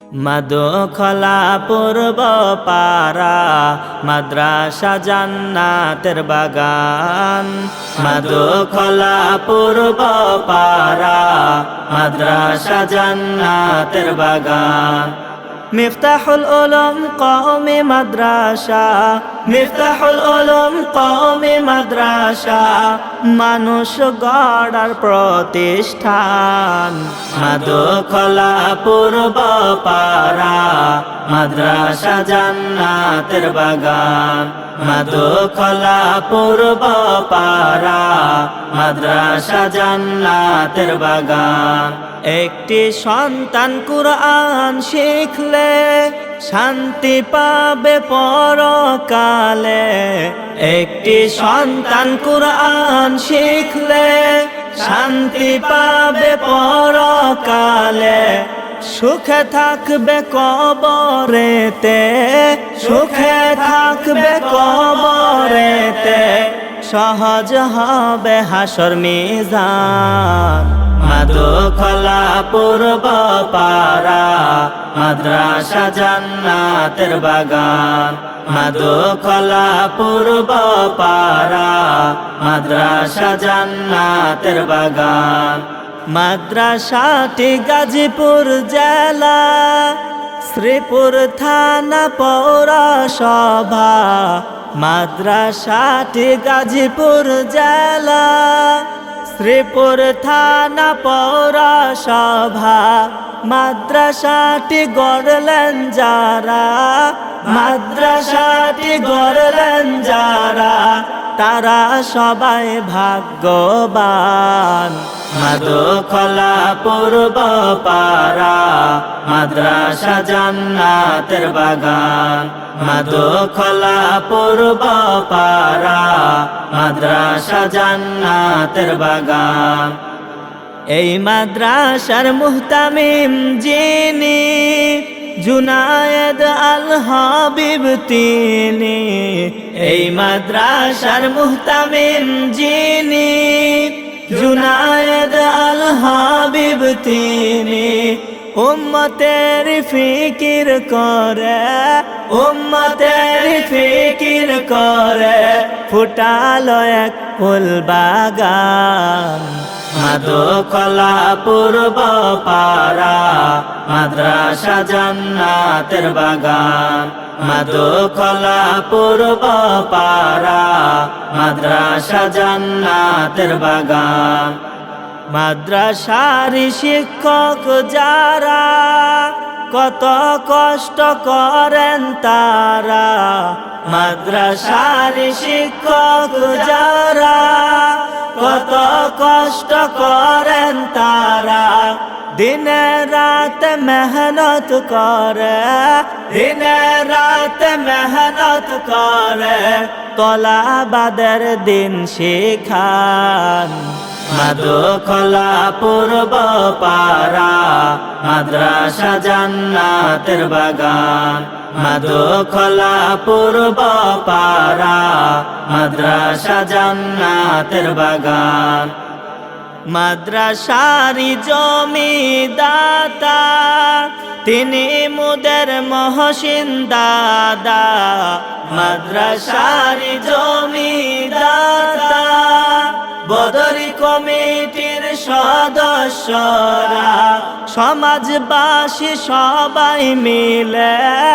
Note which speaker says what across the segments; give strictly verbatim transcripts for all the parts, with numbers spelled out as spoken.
Speaker 1: মাদখলা পূর্ব পারা মাদ্রাসা জান্নাতের বাগান। মাদখলা পূর্ব পারা মাদ্রাসা জান্নাতের বাগান। মিফতাহুল উলুম কওমি মাদ্রাসা, মিফতাহুল উলুম কওমি মাদ্রাসা, মানুষ গড়ার প্রতিষ্ঠান। মাদখলা পূর্ব পারা মাদ্রাসা জান্নাতের বাগান। মাদখলা পূর্ব পারা মাদ্রাসা জান্নাতের বাগান। একটি সন্তান কুরআন শিখলে শান্তি পাবে পরকালে। একটি সন্তান কুরআন শিখলে শান্তি পাবে পরকালে। সুখে থাকবে কবরেতে, সুখে থাকবে কবরেতে, সহজ হবে হাসর মিজান। মাদখলা পূর্ব পারা মাদ্রাসা জান্নাতের বাগান। মাদখলা পূর্ব পারা মাদ্রাসা জান্নাতের বাগান। মাদ্রাসাটি গাজীপুর জেলা, শ্রীপুর থানা পৌরসভা। মাদ্রাসাটি গাজীপুর জেলা, শ্রীপুর থানা পৌরসভা। মাদ্রাসাটি গড়লেন যারা, মাদ্রাসাটি গড়লেন যারা, তারা সবাই ভাগ্যবান। মাদখলা পূর্ব পারা মাদ্রাসা জান্নাতের বাগান। মাদখলা পূর্ব পারা মাদ্রাসা জান্নাতের বাগান। এই মাদ্রাসার মুহতামিম যিনি, জুনায়েদ আল হাবিব তিনি। এই মাদ্রাসার মুহতামিম যিনি, জুনায়েদ আল হাবিব তিনি। উম্মতের ফিকির করে, উম্মতের ফিকির করে, ফুটালো এক ফুল বাগান। মাদখলা পূর্ব পারা মাদ্রাসা জান্নাতের বাগান। মাদখলা পূর্ব পারা মাদ্রাসা জান্নাতের বাগান। মাদ্রাসার শিক্ষক যারা কত কষ্ট করেন তারা। মাদ্রাসার শিক্ষক যারা কত কষ্ট করেন তারা। দিনে রাত মেহনত করে, দিনে রাত মেহনত করে, তলাবাদের দিন শিখান। মাদখলা পূর্ব পারা মাদ্রাসা জান্নাতের বাগান। মাদখলা পূর্ব পারা মাদ্রাসা জান্নাতের বাগান। মাদ্রাসারি জমিদাতা তিনি মুদের মহসিন দাদা। মাদ্রাসারি জমিদাতা বদরি কমিটির সদস্যরা, সমাজবাসী সবাই মিলে,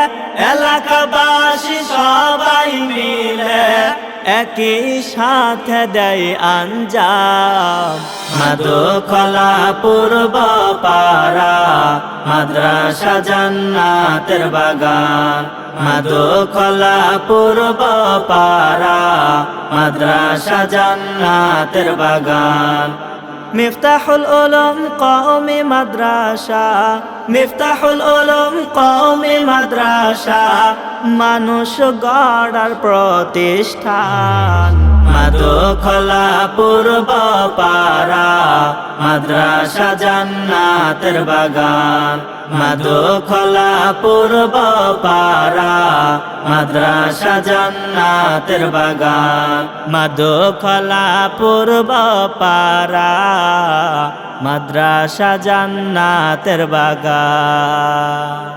Speaker 1: এলাকাবাসী সবাই মিলে একই সাথে দেয় আঞ্জাম। মাদখলা পূর্ব পারা মাদ্রাসা জান্নাতের বাগান। মাদখলা পূর্ব পারা মাদ্রাসা জান্নাতের বাগান। মিফতাহুল উলুম কওমি মাদ্রাসা, মিফতাহুল উলুম কওমি মাদ্রাসা, মানুষ গড়ার প্রতিষ্ঠান। মাদখলা পূর্ব পারা মাদ্রাসা জান্নাতের বাগান। মাদখলা পূর্ব পারা মাদ্রাসা জান্নাতের বাগান। মাদখলা পূর্ব পারা মাদ্রাসা জান্নাতের বাগান।